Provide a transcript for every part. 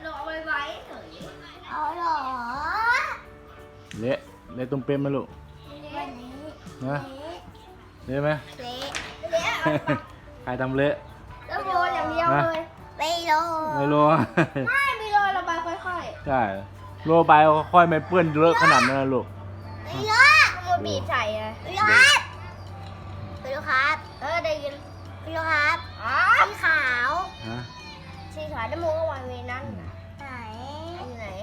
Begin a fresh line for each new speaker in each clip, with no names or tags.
เราเอาไว้เฉย
เอาเหรอ
เละเละตุ้มเป๊ะไหมลูก
วันนี้
นะเละไหม
เละ
ใครทำเละ
แล้วโรยอย่างเดียวเลย
ไม่รู้
ไม่รู้
ไม่มีโรยระบายค่อย
ใช่โรยไปค่อยไม่เปื้อนเลอะขนาดนั้นนะลูก
ไม่รู้
ๆมันบีบใส่ไง
ไม่รู้ครับไม่รู้ครับ
ได้ยิน
ไม่รู้ครับ
อ๋อ
สีขาว
ฮะ
สีขาวน้ำมูกก็วางไว้นั่น
ไหน
อยู่ไหน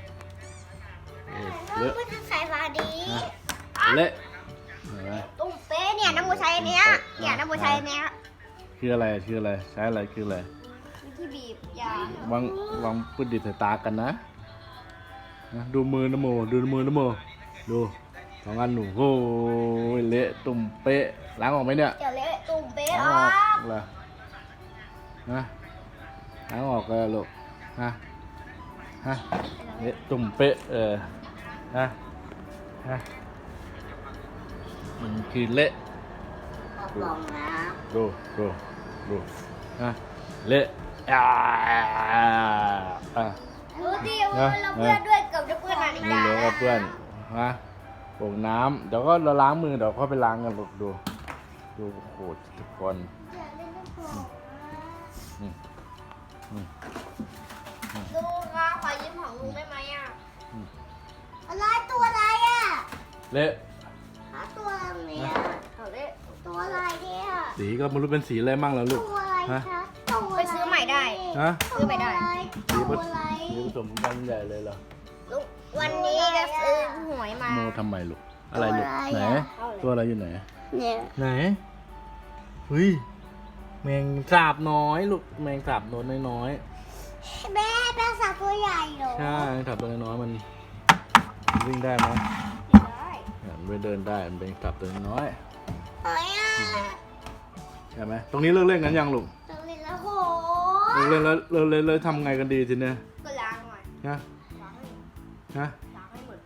เลอะ
น้ำมันทำสายฟ้าดี
เละเห็นไหม
ตุ้มเป๊ะเนี่ยน้ำมูใช้อันเนี้ยเนี่ยน้ำมูใช้อันเนี้ย
คืออะไรคืออะไรใช้อะไรคืออะไร
วิธีบีบยาว
างปืนดิบใส่ตากันนะดูมือนะโมดูมือนะโมดูสองอันหนูโอ้ยเละตุ่มเป๊ะล้างออกไหมเนี่ย
จะเละตุ่มเป๊ะ
ล้าง
อ
อ
อ
อก กเหรอฮะล้างออกเลยลูกฮะฮะเละตุ่มเป๊ะฮะฮะมันคือเละ
ลงนะ
ดูฮะเละอ่า
ดูดิเราเพื่อนด้วยเกับจะเพื่อนนาฬิ
มี
กา
เหลือกับเพื่อนนะโป่งน้ำเดี๋ยวก็เราล้างมือเดี๋ยวค่อยไปล้างกันลูกดูโหดทุกคน
อยากเล่นลูกโป่ง
ลุงคะขอยืมของลุงได้ไหมอ่ะ
อะไรตัวอะไรอ่ะ
เละ
หาตัวอะไรเนี่ย
เขาเละ
ตัวอะไรเนี่ย
สีก็ไม่รู้เป็นสีอะไรมั่งแล้วลูก
ตัวอะไร
ฮะ
คะตัว
ไปซื้อใหม่ได้
ฮะ
ซื้อไปได้
ตัวอะไร
สีผสมกันใหญ่เลยเหรอ
ลุงวันนี้จะซื้อหวยมา
โมทำไมลูกอะไรลูกไหนตัวอะไรอยู่ไหน
เนี่ย
ไหนเฮ้ยแมงสาบน้อยลูกแมงสาบน้อยน้อย
แม่เป็นสัตว์ตัวใหญ่เหรอ
ใช่แมงสาบตัวน้อยมันวิ่งได้ไหม
ได้
เนี่ยมันเดินได้มันเป็นสาบตัวน้อย
เฮ้ยอ่ะ
ใช่ไหมตรงนี้เลิกเล่นกันยังลูก
ตัวเล็กแล้วโห
เลิกเล่นแล้วเลิกเล่นแล้วทำไงกันดีทีเนี้ย
ก็ล้างหน่อย
นะ
ล้างให้
นะ
ล้างให้หมด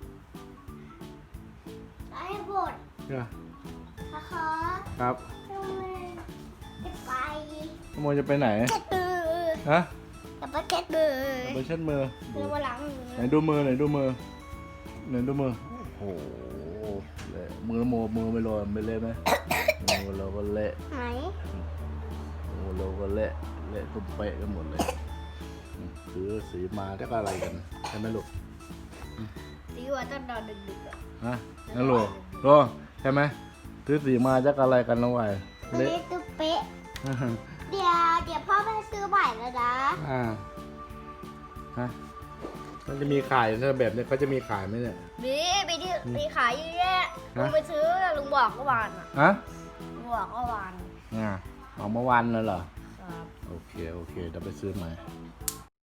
ได้บท
นะ
นะคะ
ครับ
ทำไมจะไป
ขโมยจะไปไหน
เช็ดมือ
ฮะ
จะไปเช็ดมือ
ไปเช็ดมือ
เรียกว่าล้างมือ
ไหนดูมือไหนดูมือไหนดูมือโอ้โหเละมือโมมือไม่ลอยไม่เละไหมมือเราก็เละ
ไหน
มือเราก็เละเละตุ้มเป๊ะกันหมดเลยซื้อสีมาได้ก็อะไรกันใช่ไหมลูก
ตีว่าต้องนอนดึกๆอ่ะ
ฮะนั่นลูกโลใช่ไหมซื้อสีมาจะอะไรกันน้องไว
ตัว
เละ
เล็กตัวเป๊ะเดี๋ยวพ่อไปซื้อใหม่แล้วนะ
ฮะมันจะมีขายถ้าแบบนี้เขาจะมีขายไหมเนี่ย
มีที่มีขายเยอะแยะ
ฮะ
ลุงไปซื้อลุงบอกเมื่อวานอ่ะ
ฮะ
ลุงบอกเมื่อวาน
ออกเมื่อวันเลยเหรอ
ครับ
โอเคเดี๋ยวไปซื้อใหม่
ค